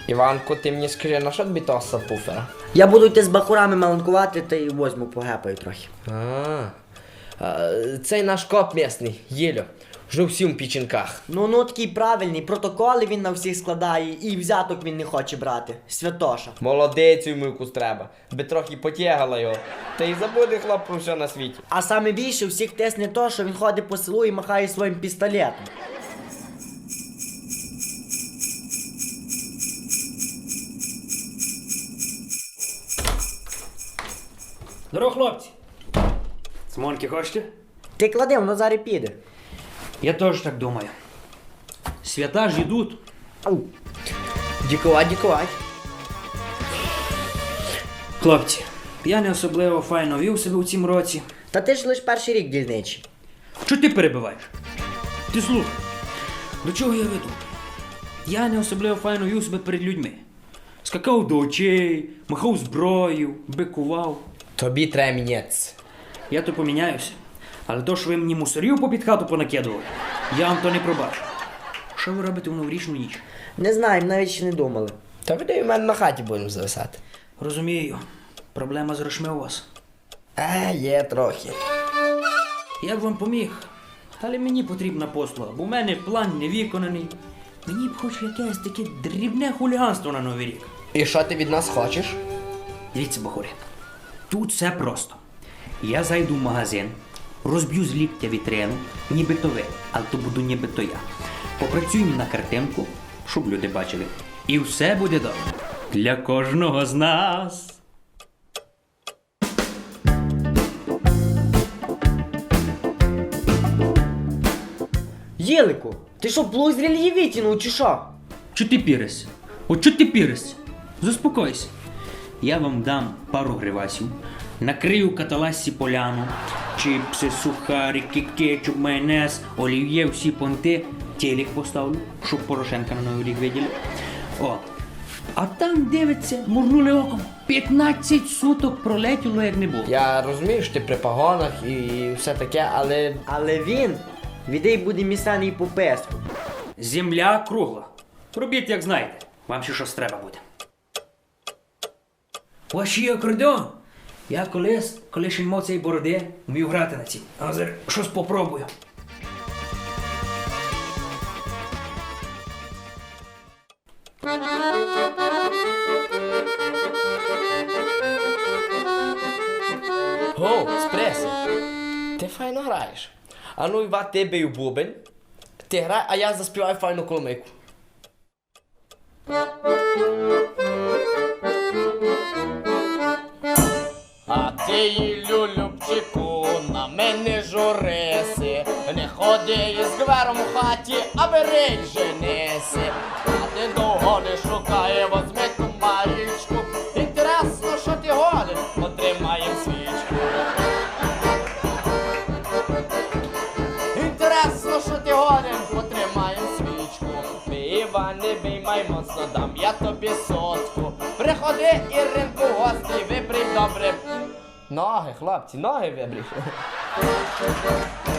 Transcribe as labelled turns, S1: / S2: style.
S1: Іванко, ти мені скажи, на що тобі того сабвуфера?
S2: Я буду йти з бахурами маланкувати, та й возьму погепаю трохи.
S1: Цей наш коп місний, Єльо, жив всім в печінках.
S2: Ну такий правильний, протоколи він на всіх складає, і взяток він не хоче брати. Святоша.
S1: Молодець йому якусь треба, би трохи потягала його. Та й забуде хлоп про все на світі.
S2: А саме більше всіх тисне то, що він ходить по селу і махає своїм пістолетом.
S3: Здорово, хлопці! Цмоньки хочете?
S2: Ти клади, воно зараз піде.
S3: Я теж так думаю. Свята ж йдуть.
S2: Дякувати.
S3: Хлопці, я не особливо файно вів себе у цім році.
S2: Та ти ж лиш перший рік дільничий.
S3: Чого ти перебиваєш? Ти слухай, до чого я веду? Я не особливо файно вів себе перед людьми. Скакав до очей, махав зброєю, бикував.
S1: Тобі треба мінятися.
S3: Я то поміняюся. Але то, що ви мені мусорів попід хату понакидували, я вам то не пробачу. Що ви робите в новорічну ніч?
S2: Не знаю, навіть ще не думали.
S1: Та ви в мене на хаті будемо зависати.
S3: Розумію, проблема з грошми у вас.
S1: Є трохи.
S3: Я б вам поміг, але мені потрібна послуга, бо в мене план не виконаний. Мені б хоч якесь таке дрібне хуліганство на Новий рік.
S1: І що ти від нас хочеш?
S3: Дивіться, бахурі, тут все просто. Я зайду в магазин, розб'ю з ліктя вітрину, нібито ви, але то буду нібито я. Попрацюємо на картинку, щоб люди бачили. І все буде добре. Для кожного з нас.
S2: Єлику, ти що, плуг з рельєві витягнув, чи що?
S3: Чо ти піришся? От чо ти піришся? Заспокойся. Я вам дам пару гривасів, накрию каталасі поляну, чіпси, сухарики, кетчуп, майонез, олів'є, всі понти, телек поставлю, щоб Порошенка на Новий рік виділи. О, а там дивиться, моргнули оком, 15 суток пролетіло, як не було.
S1: Я розумію, що ти при погонах і все таке, але...
S2: Але він відей буде місаний по песку.
S3: Земля кругла. Робіть, як знаєте. Вам ще щось треба буде. Ваші акордеон. Я коли ще не мав цієї бороди, вмів грати на цій. А зараз щось попробую.
S1: Гоу, спреси, ти файно граєш. А ну, Іва, ти бий у бубен, ти грай, а я заспіваю файну коломийку. А ти, Любчику, на мене журиси, не ходи із гвером у хаті, а бери женися. А ти довго не шукає, возьми ту маєчку. Інтересно, що ти годен, отримаєм свічку. Інтересно, що ти годен, потримаєм свічку. Бій, Іване, бій, май моцно дам я тобі сотку. Приходи, Іринку, в гості, вибрій добре. Ноги, хлопці, ноги вибрій.